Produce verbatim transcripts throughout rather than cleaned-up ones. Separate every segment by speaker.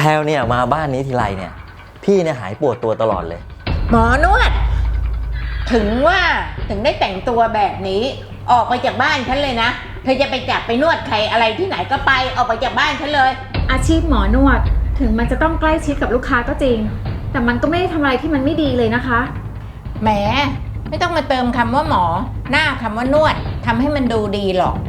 Speaker 1: พลวเนี่ยมาบ้านนี้ทีไรเนี่ยพี่เนี่ยหายปวดตัวตลอดเลย
Speaker 2: หมอนวดถึงว่าถึงได้แต่งตัวแบบนี้ออกไปจากบ้านฉันเลยนะเธอจะไปจับไปนวดใครอะไรที่ไหนก็ไปออกไปจากบ้านฉันเลย
Speaker 3: อาชีพหมอนวดถึงมันจะต้องใกล้ชิดกับลูกค้าก็จริงแต่มันก็ไม่ได้ทำอะไรที่มันไม่ดีเลยนะคะ
Speaker 2: แหมไม่ต้องมาเติมคำว่าหมอหน้าคำว่านวดทำให้มันดูดีหรอก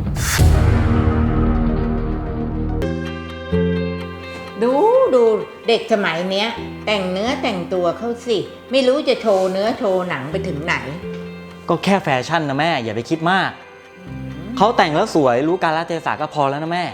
Speaker 2: ดูดูเด็กสมัยเนี้ยแต่งเนื้อแต่งตัวเขาสิไม่รู้จะโชว์เนื้อโชว์หนังไปถึงไหน
Speaker 1: ก็แค่แฟชั่นนะแม่อย่าไปคิดมากเขาแต่งแล้วสวยรู้กาลเทศะก็พอแล้วนะแม่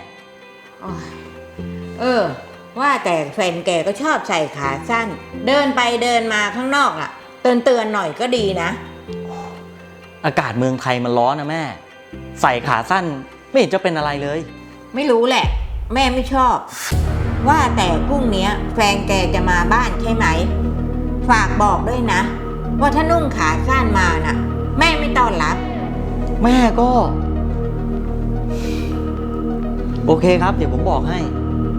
Speaker 2: เออว่าแต่แฟนแกก็ชอบใส่ขาสั้นเดินไปเดินมาข้างนอกอ่ะเตือนเตือนหน่อยก็ดีนะ
Speaker 1: อากาศเมืองไทยมันร้อนนะแม่ใส่ขาสั้นไม่เห็นจะเป็นอะไรเลย
Speaker 2: ไม่รู้แหละแม่ไม่ชอบว่าแต่พรุ่งนี้แฟนแกจะมาบ้านใช่ไหมฝากบอกด้วยนะว่าถ้านุ่งขาสั้นมาน่ะแม่ไม่ต้อนรับ
Speaker 1: แม่ก็โอเคครับเดี๋ยวผมบอกให้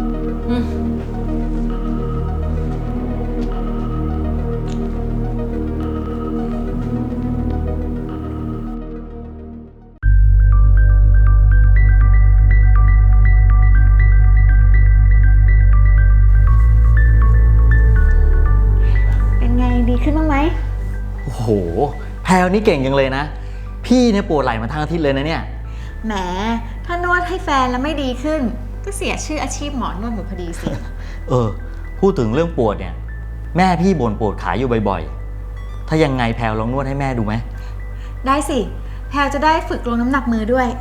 Speaker 3: เป็นไงดีขึ้นบ้างไหม
Speaker 1: โอ้โหแพลวนี่เก่งจังเลยนะพี่เนี่ยปวดไหล่มาทั้งอาทิตย์เลยนะเนี่ย
Speaker 3: แหมถ้านวดให้แฟนแล้วไม่ดีขึ้นก็เสียชื่ออาชีพหมอนวดหมดพอดีสิ
Speaker 1: เออพูดถึงเรื่องปวดเนี่ยแม่พี่บ่นปวดขาอยู่บ่อยๆถ้ายังไงแพลวลองนวดให้แม่ดูไหม
Speaker 3: ได้สิแพลวจะได้ฝึกลงน้ำหนักมือด้วย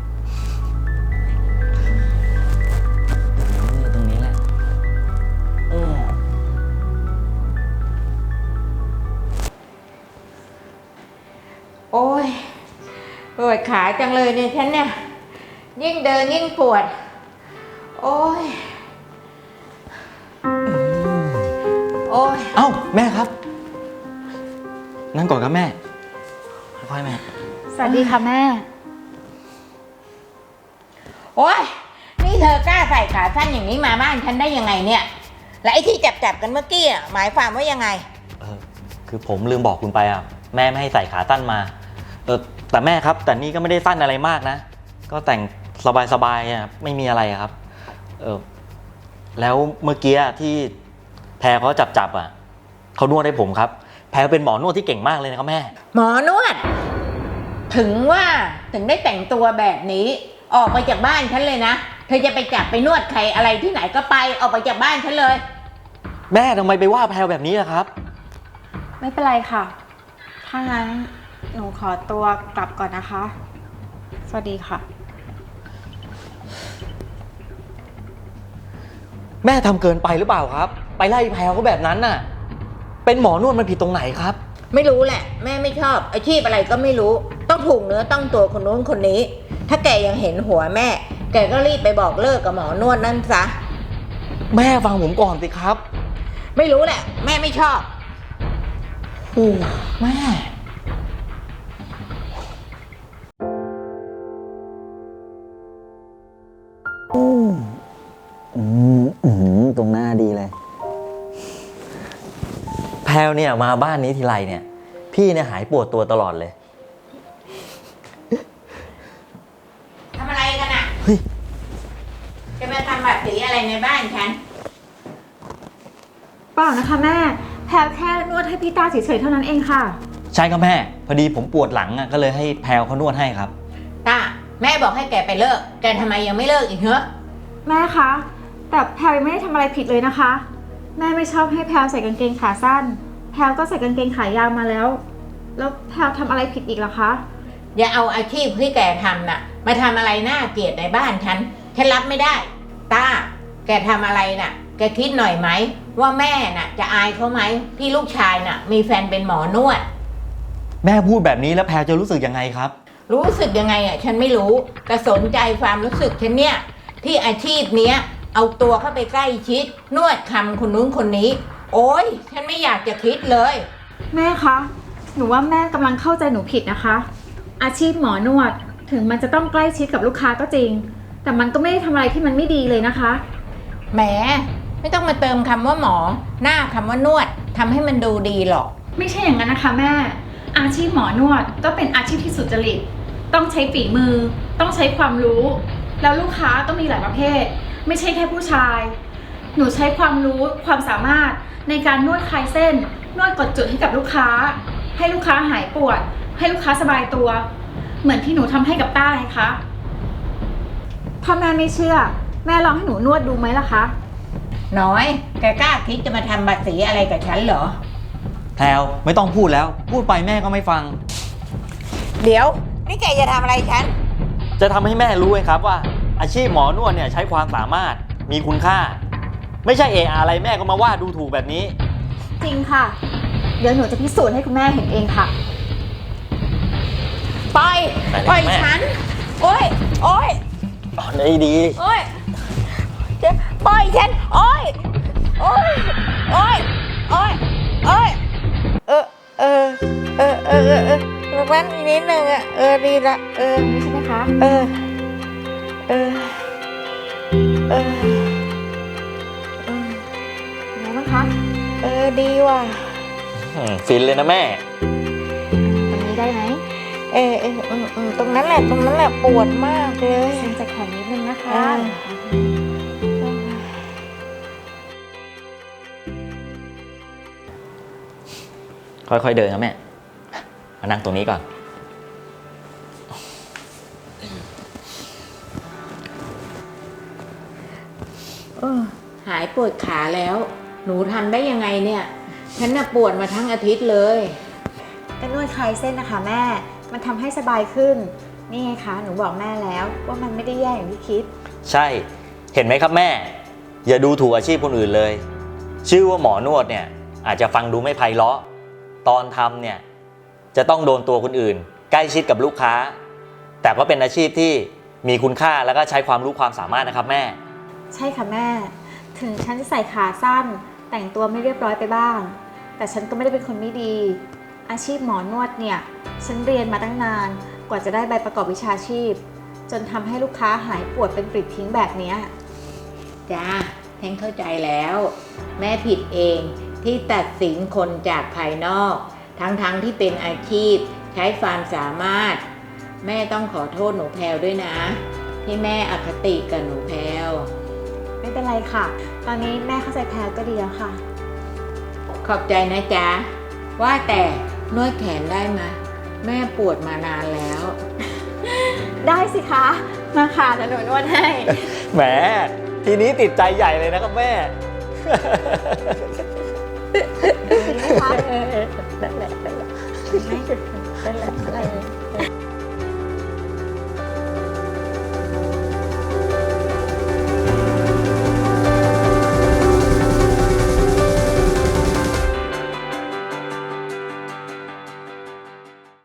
Speaker 1: ตรงนี้แหละเออ
Speaker 2: โอ้ยปวดขาจังเลยเนี่ยฉันเนี่ยยิ่งเดินยิ่งปวดโอ้ยโอ้ย
Speaker 1: เอ้าแม่ครับนั่งก่อนครับแม่ค่อยๆแม่
Speaker 3: สวัสดีค่ะแม่
Speaker 2: โอ้ยนี่เธอกล้าใส่ขาสั้นอย่างนี้มาบ้านฉันได้ยังไงเนี่ยและไอ้ที่จับๆกันเมื่อกี้อ่ะหมายความว่ายังไง
Speaker 1: เออคือผมลืมบอกคุณไปอ่ะแม่ไม่ให้ใส่ขาสั้นมาเออแต่แม่ครับแต่นี่ก็ไม่ได้สั้นอะไรมากนะก็แต่งสบายๆอ่ะไม่มีอะไรครับเออแล้วเมื่อกี้ที่แพรเขาจับจับอ่ะเขานวดให้ผมครับแพรเป็นหมอนวดที่เก่งมากเลยนะครับแม่
Speaker 2: หมอนวดถึงว่าถึงได้แต่งตัวแบบนี้ออกไปจากบ้านฉันเลยนะเธอจะไปจับไปนวดใครอะไรที่ไหนก็ไปออกไปจากบ้านฉันเลย
Speaker 1: แม่ทำไมไปว่าแพรแบบนี้ล่ะครับ
Speaker 3: ไม่เป็นไรค่ะถ้างั้นหนูขอตัวกลับก่อนนะคะสวัสดีค่ะ
Speaker 1: แม่ทำเกินไปหรือเปล่าครับไปไล่แพรเขาแบบนั้นน่ะเป็นหมอนวดมันผิดตรงไหนครับ
Speaker 2: ไม่รู้แหละแม่ไม่ชอบอาชีพอะไรก็ไม่รู้ต้องถูกเนื้อต้องตัวคนนู้นคนนี้ถ้าแกยังเห็นหัวแม่แกก็รีบไปบอกเลิกกับหมอนวดนั่นซะ
Speaker 1: แม่ฟังผมก่อนสิครับ
Speaker 2: ไม่รู้แหละแม่ไม่ชอบ
Speaker 1: โอ้แม่อืมอืมตรงหน้าดีเลยแพลวเนี่ยมาบ้านนี้ทีไรเนี่ยพี่เนี่ยหายปวดตัวตลอดเลย
Speaker 2: ทำอะไรกันอ่ะเฮ้ยจะมาทำแบบสีอะไรในบ้านฉัน
Speaker 3: เปล่านะคะแม่แพลวแค่นวดให้พี่ตาเฉยๆเท่านั้นเองค่ะ
Speaker 1: ใช่ครับแม่พอดีผมปวดหลังอ่ะก็เลยให้แพลวเขานวดให้ครับ
Speaker 2: ตาแม่บอกให้แกไปเลิกแกทำไมยังไม่เลิกอีกเหรอ
Speaker 3: แม่คะแต่แพลวไม่ได้ทำอะไรผิดเลยนะคะแม่ไม่ชอบให้แพลวใส่กางเกงขาสั้นแพลวก็ใส่กางเกงขายาวมาแล้วแล้วแพลวทำอะไรผิดอีกล่ะคะ
Speaker 2: อย่าเอาอาชีพที่แกทำน่ะมาทำอะไรน่าเกลียดในบ้านฉันฉันรับไม่ได้ตาแกทำอะไรน่ะแกคิดหน่อยไหมว่าแม่น่ะจะอายเขาไหมที่ลูกชายน่ะมีแฟนเป็นหมอนวด
Speaker 1: แม่พูดแบบนี้แล้วแพลวจะรู้สึกยังไงครับ
Speaker 2: รู้สึกยังไงอ่ะฉันไม่รู้แต่สนใจความรู้สึกฉันเนี่ยที่อาชีพเนี้ยเอาตัวเข้าไปใกล้ชิดนวดคำคนนู้นคนนี้โอ๊ยฉันไม่อยากจะคิดเลย
Speaker 3: แม่คะหนูว่าแม่กำลังเข้าใจหนูผิดนะคะอาชีพหมอนวดถึงมันจะต้องใกล้ชิดกับลูกค้าก็จริงแต่มันก็ไม่ได้ทำอะไรที่มันไม่ดีเลยนะคะ
Speaker 2: แหมไไม่ต้องมาเติมคำว่าหมอ หน้าคำว่านวดทำให้มันดูดีหรอก
Speaker 3: ไม่ใช่อย่างนั้นนะคะแม่ อาชีพหมอนวดก็เป็นอาชีพที่สุจริต ต้องใช้ฝีมือ ต้องใช้ความรู้ แล้วลูกค้าต้องมีหลายประเภท ไม่ใช่แค่ผู้ชาย หนูใช้ความรู้ความสามารถในการนวดคลายเส้น นวดกดจุดให้กับลูกค้า ให้ลูกค้าหายปวด ให้ลูกค้าสบายตัว เหมือนที่หนูทำให้กับต้าไงคะถ้าแม่ไม่เชื่อ แม่ลองให้หนูนวดดูไหมล่ะคะ
Speaker 2: น้อย แกกล้าคิดจะมาทำบัตรสีอะไรกับฉันเหรอ
Speaker 1: แพลวไม่ต้องพูดแล้ว พูดไปแม่ก็ไม่ฟัง
Speaker 2: เดี๋ยว นี่แกจะทำอะไรฉัน
Speaker 1: จะทำให้แม่รู้ไงครับว่า อาชีพหมอนวดเนี่ยใช้ความสามารถมีคุณค่า ไม่ใช่เอออะไรแม่ก็มาว่าดูถูกแบบนี้
Speaker 3: จริงค่ะ เดี๋ยวหนูจะพิสูจน์ให้คุณแม่เห็นเองค่ะ
Speaker 2: ปล่อย
Speaker 1: ไปเลย
Speaker 2: ปล่อย
Speaker 1: แม่
Speaker 2: ฉัน โอ้ย โอ้ย
Speaker 1: อ๋อได้ดี
Speaker 2: โอ้ยจะปล่อยฉัน โอ้ย โอ้ย โอ้ย โอ้ย โอ้ย เออ เออ เออ เออ เออเออแว่นอีกนิดนึงอ่ะ เออ ดีละ เออ
Speaker 3: นี่ใช่ไหมคะ
Speaker 2: เออ เออ เออ
Speaker 3: เป็นไงบ้างคะ
Speaker 2: เออ ดีว่ะ
Speaker 1: อืมฟินเลยนะแม่
Speaker 3: ตรงนี้ได้ไหม
Speaker 2: เออเออเออเออตรงนั้นแหละ ตรงนั้นแหละปวดมากเลย
Speaker 3: เส้นจะแข็งนิดนึงนะคะ
Speaker 2: อ่า
Speaker 1: ค่อยๆเดินนะแม่ มานั่งตรงนี้ก่อน
Speaker 2: เออหายปวดขาแล้ว หนูทำได้ยังไงเนี่ย ฉันน่ะปวดมาทั้งอาทิตย์เลย
Speaker 3: ก็นวดคลายเส้นนะคะแม่ มันทำให้สบายขึ้น นี่ไงคะ หนูบอกแม่แล้วว่ามันไม่ได้แย่อย่างที่คิด
Speaker 1: ใช่ เห็นไหมครับแม่ อย่าดูถูกอาชีพคนอื่นเลย ชื่อว่าหมอนวดเนี่ย อาจจะฟังดูไม่ไพเราะ ตอนทำเนี่ยจะต้องโดนตัวคนอื่น ใกล้ชิดกับลูกค้า แต่ก็เป็นอาชีพที่มีคุณค่าแล้วก็ใช้ความรู้ความสามารถนะครับแม่
Speaker 3: ใช่ค่ะแม่ ถึงฉันจะใส่ขาสั้น แต่งตัวไม่เรียบร้อยไปบ้าง แต่ฉันก็ไม่ได้เป็นคนไม่ดี อาชีพหมอนวดเนี่ย ฉันเรียนมาตั้งนาน กว่าจะได้ใบประกอบวิชาชีพ จนทำให้ลูกค้าหายปวดเป็นปลิดทิ้งแบบเนี้ย
Speaker 2: จ้าฉันเข้าใจแล้ว แม่ผิดเองที่ตัดสินคนจากภายนอก ทั้งๆทที่เป็นอาชีพใช้ความสามารถ แม่ต้องขอโทษหนูแพลวด้วยนะ ที่แม่อคติกับหนูแพลว
Speaker 3: ไม่เป็นไรค่ะ ตอนนี้แม่เข้าใจแพลก็ดีแล้วค่ะ
Speaker 2: ขอบใจนะจ๊ะ ว่าแต่นวดแขนได้ไหมแม่ปวดมานานแล้ว
Speaker 3: ได้สิคะ มาค่ะเดี๋ยวหนูนวดให้
Speaker 1: แหม ทีนี้ติดใจใหญ่เลยนะครับแม่
Speaker 3: ดีไหมคะ
Speaker 2: นั่นแหละนั่นแหละนั่นแหละอะไร